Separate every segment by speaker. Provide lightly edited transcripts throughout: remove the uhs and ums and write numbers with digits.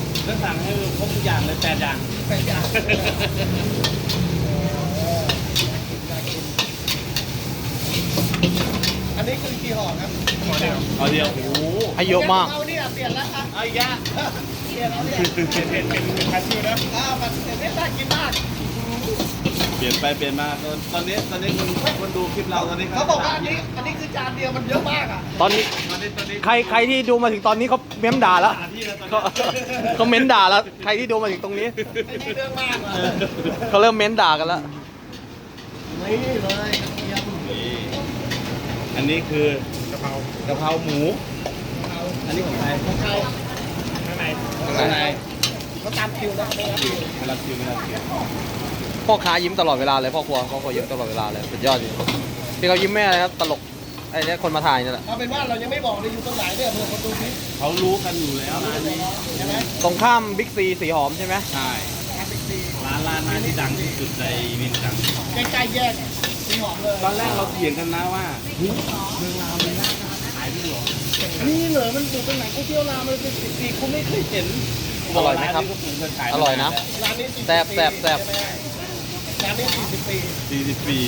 Speaker 1: ก็สั่งให้ครบทุกอย่างเลย8 อย่าง
Speaker 2: อันนี้คือกี่ห่อครับห่อเดียว
Speaker 1: เอาเดียวโอ้โห
Speaker 3: ให้เยอะมาก
Speaker 2: เอาเนี่ยเปลี่ยนแล้วครับ
Speaker 1: เอาอีกอะ
Speaker 2: เปลี่ยนแล้วเนี่ย
Speaker 4: เป็นคาชิวนะ
Speaker 2: มันเปลี่ยนได้น่ากินมาก
Speaker 1: เปลี่ยนไปเปลี่ยนมาตอนนี้คนดูคลิปเราตอนนี้
Speaker 2: เขาบอกว่าอันนี้คือจานเดียวมันเยอะมากอ่ะ
Speaker 3: ตอนนี้
Speaker 1: ตอนนี้
Speaker 3: ใครที่ดูมาถึงตอนนี้เขาเม้มด่าแล้ว
Speaker 1: หาที่แล้วตอน
Speaker 3: เขา
Speaker 1: นี้
Speaker 3: เขาเม้นด่าแล้ว ใครที่ดูมาถึงตรงนี้
Speaker 2: ไอ้นี่เรื่องมากอ่ะ
Speaker 3: เขาเริ่มเม้นด่ากันแล้ว
Speaker 2: นี่เลยกระเทียม
Speaker 1: นี่อันนี้คือก
Speaker 4: ะเพราก
Speaker 1: ะเพราหมู อันนี้ของใคร
Speaker 2: ของเขา
Speaker 4: ข้างใน
Speaker 1: ข้างใน
Speaker 2: เขาตามคิวนะไม่รับคิว
Speaker 1: ไม่รับคิวไม่รับคิว
Speaker 3: พ่อค้ายิ้มตลอดเวลาเลยพ่อครัวยิ้มตลอดเวลาเลยสุดยอดจริงที่เขายิ้มแม่อะไรครับตลกไอ้เนี่ยคนมาถ่ายนี่แหละ
Speaker 2: เอาเป็นว่าเรายังไม่บอกเลยอยู่ตรงไหนเนี่ยเผื่อคนดูคลิป
Speaker 1: เขารู้กันอยู่แล้วร้านนี้
Speaker 2: ใช่ไหม
Speaker 3: ตรงข้ามบิ๊กซีสีหอมใช่ไหม
Speaker 1: ใช่
Speaker 2: ทางบิ๊กซี
Speaker 1: ร้านที่ดังที่สุดในเวียงจันทร์
Speaker 2: ใกล้ๆแยกสีหอมเลย
Speaker 1: ตอนแรกเราเถียงกันนะว่าเฮ้ยเมืองลาวมีร้านอาหารขายด้วยเหรอ
Speaker 2: นี่เหรอมันอยู่ตรงไหนก๋วยเตี๋ยวรามมันเป็น10 ปีคุณไม่เคย
Speaker 1: เห็น
Speaker 3: อร่อยไหมครับ
Speaker 1: านนี้ก็ผมเคยขาย
Speaker 3: อร่อยนะ
Speaker 2: ร้านนี้40
Speaker 3: แซ่บแซ่บแซ่บ
Speaker 2: ใช่ไหมร้านนี้40 ปี
Speaker 1: 40 ปี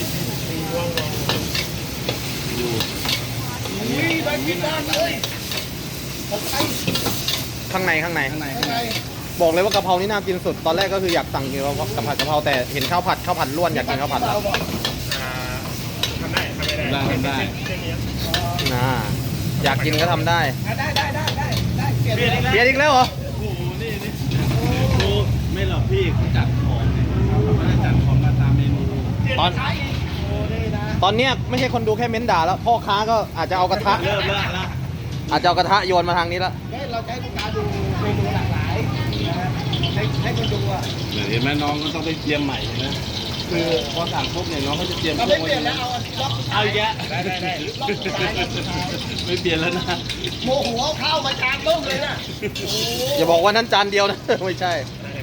Speaker 1: ดู
Speaker 2: อุ้ยน่ากินมากเลยของไทย
Speaker 3: ข้างใน
Speaker 1: ข้างใน
Speaker 2: ข้างใน
Speaker 3: บอกเลยว่ากะเพรานี่น่ากินสุดตอนแรกก็คืออยากสั่งกินกับผัดกะเพราแต่เห็นข้าวผัดล้วนอยากกินข้าวผัดแล้ว
Speaker 4: อ่าทำได้ทำได้
Speaker 1: ทำได้
Speaker 4: เส้นนี้
Speaker 3: นะอยากกินก็ทำได้
Speaker 2: ได้เปลี่ยนเลย
Speaker 3: เปลี่ยนอีกแล้วเหรอ
Speaker 1: โอ้โหนี่ดูไม่หรอกพี่เขาจัดของเนี่ยเขาไม่ได้จัดของมาตามเมนู
Speaker 3: ตอน
Speaker 2: โอ้นี่นะ
Speaker 3: ตอนเนี้ยไม่ใช่คนดูแค่เม้นด่าแล้วพ่อค้าก็อาจจะเอากระทะ
Speaker 1: เริ่มแล้วนะ
Speaker 3: อาจจะเอากระทะโยนมาทางนี้แล้ว
Speaker 2: เราจะให้ลูกค้าดูเมนูหลากหลายนะฮะให้คนดูอ่ะ
Speaker 1: เห็นไหมน้องก็ต้องไปเตรียมใหม่นะคือพอสั่งปุ๊บเนี่ยน้องเขาจะเตรียม
Speaker 2: เราไม่เปลี่ยนแล้วเอาอันนี้ล็อก
Speaker 1: เอาอีกแยะ
Speaker 4: ได้
Speaker 2: ล็อกสุดท้ายล็อกสุดท้าย
Speaker 1: ไม่เปลี่ยนแล้วนะ
Speaker 2: โมโหเอาข้าวมาจานต้มเลยนะโอ้โห
Speaker 3: อย่าบอกว่านั้นจานเดียวนะ ไม่ใช่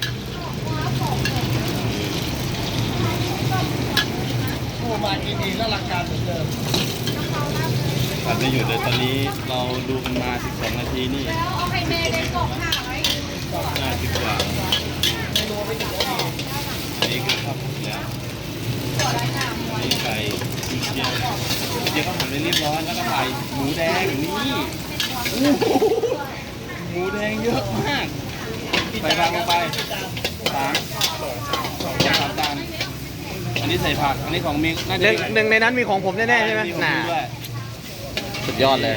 Speaker 2: โอ้มากินดีแล้วราคาเหมือนเดิม
Speaker 1: ผัดไม่หยุดเลยตอนนี้เราดูกันมา12 นาทีนี่
Speaker 5: แล้วเอาไข่เมย์ในกล่องค่ะไว้
Speaker 1: 50 กว่า
Speaker 2: เมนูไม่ถึงนาที
Speaker 1: อันนี้คือข้าวผัดแล้วอันนี้ไก่เจียวเจียวข้าวผัดไปเรียบร้อยแล้วก็ใส่หมูแดงนี่โอ้โหหมูแดงเยอะมากใส่ผักลงไป3 จานอันนี้ใส่ผักอันนี้ของมิกน่า
Speaker 3: ห
Speaker 1: จะ
Speaker 3: นึ่งในนั้นมีของผมแน่ๆใช่ไหม
Speaker 1: ของ
Speaker 3: น่า
Speaker 1: มิกด้วย
Speaker 3: สุดยอดเลย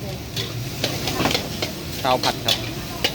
Speaker 3: ข้าวผัดครับ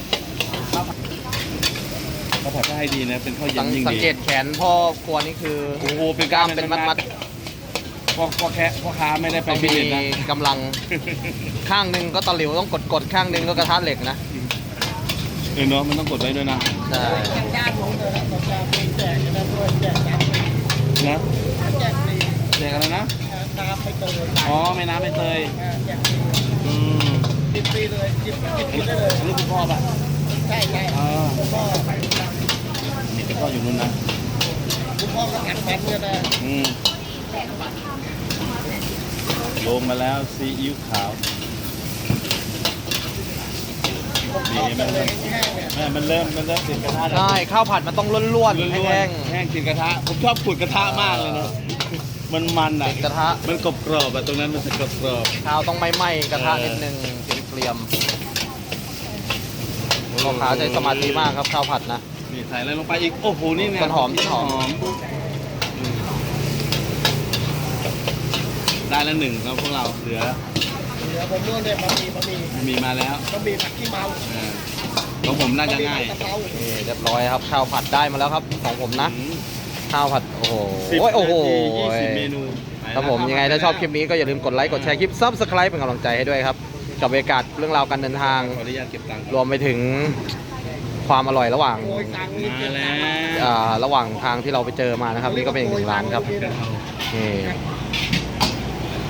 Speaker 1: ข้าวผัดก็ให้ดีนะเป็นข้าวเย็นยิ่ง
Speaker 3: สัง
Speaker 1: ดี
Speaker 3: เกตแขนพ่อครัวนี่คือ
Speaker 1: โอ้โหเป็น
Speaker 3: กล้ามเป็นมัด
Speaker 1: พ่อค้าไม่ได้
Speaker 3: ๆ
Speaker 1: ไป
Speaker 3: ต้อง
Speaker 1: ฟิต
Speaker 3: มี
Speaker 1: เนสนะ
Speaker 3: กำลังข้างหนึ่งก็ตะหลิวต้องกดข้างหนึ่งก็กระทะเหล็กนะ
Speaker 1: เนาะมันต้องกดไว้ด้วยนะ
Speaker 3: ใช่
Speaker 2: ย่างลงเลยนะผมจะมีแจกนะด้วยแจกน้
Speaker 1: นะ
Speaker 2: ำแจกฟรี
Speaker 1: เด็กอะไรนะ
Speaker 2: น้ำไปเตย
Speaker 1: อ๋อแม่น้ำใบเตย
Speaker 2: แจกฟรี
Speaker 1: อืม
Speaker 2: กินฟรีเลยกินฟ
Speaker 1: อัน
Speaker 2: รี
Speaker 1: นี้
Speaker 2: ได้เลย
Speaker 1: อันนี้คุณพ่อป่ะ
Speaker 2: ใช่ใช่
Speaker 1: อ๋อ
Speaker 2: คุณพ่อ
Speaker 1: นี่คุณพ่ออยู่นู่นนะ
Speaker 2: คุณพ่อก็กัดฟันเนี่ยนะ
Speaker 1: อืมลงมาแล้วซีอิ๊วขาวนี่มันเริ่ม
Speaker 2: แห้งเนี่ย
Speaker 1: มันเริ่มติดกระทะแล้ว
Speaker 3: ใช่ข้าวผัดมันต้องล้วน
Speaker 1: ล้วน
Speaker 3: ๆ
Speaker 1: ๆ
Speaker 3: แห้ง
Speaker 1: แห้งติดกระทะผมชอบขูดกระทะมากเลยนะมันอ่ะ
Speaker 3: ติดกระทะ
Speaker 1: มันกรอบๆอ่ะตรงนั้นมันจะกรอบ
Speaker 3: ข้าวต้องไหม้ๆกระทะนิดนึงเกรียมๆพ่อค้าใช้สมาธิมากครับข้าวผัดนะ
Speaker 1: นี่ใส่อะไรลงไปอีกโอ้โหนี่เนี่ย
Speaker 3: ต้นหอม
Speaker 1: ได้แล้วหนึ่งแล้วพวกเราเหลือ
Speaker 2: เดี๋ยวผมนู่นเนี่ยบะหมี่
Speaker 1: มีมาแล้ว
Speaker 2: บะหมี่ผักขี้เมา
Speaker 1: อ่าของผมน่าจะง่าย
Speaker 2: บะหมี่ผัดกะเพรา
Speaker 3: นี่เรียบร้อยครับข้าวผัดได้มาแล้วครับของผมนะ
Speaker 1: อืม
Speaker 3: ข้าวผัดโอ้โห
Speaker 1: 10
Speaker 3: โอ้โห
Speaker 1: นาที20 เมนู
Speaker 3: ครับผมยังไงถ้าชอบคลิปนี้ก็อย่าลืมกดไลค์กดแชร์คลิป Subscribe เป็นกำลังใจให้ด้วยครับกับบรรยากาศเรื่องราวการเดินทาง
Speaker 1: ขออนุญาตเก็บตังค์
Speaker 3: รวมไปถึงความอร่อยระหว่าง
Speaker 2: โอ้ยตังค์นี่
Speaker 1: มาแล้ว
Speaker 3: ระหว่างทางที่เราไปเจอมานะครับนี่ก็เป็นอีกหนึ่งร้านครับนี่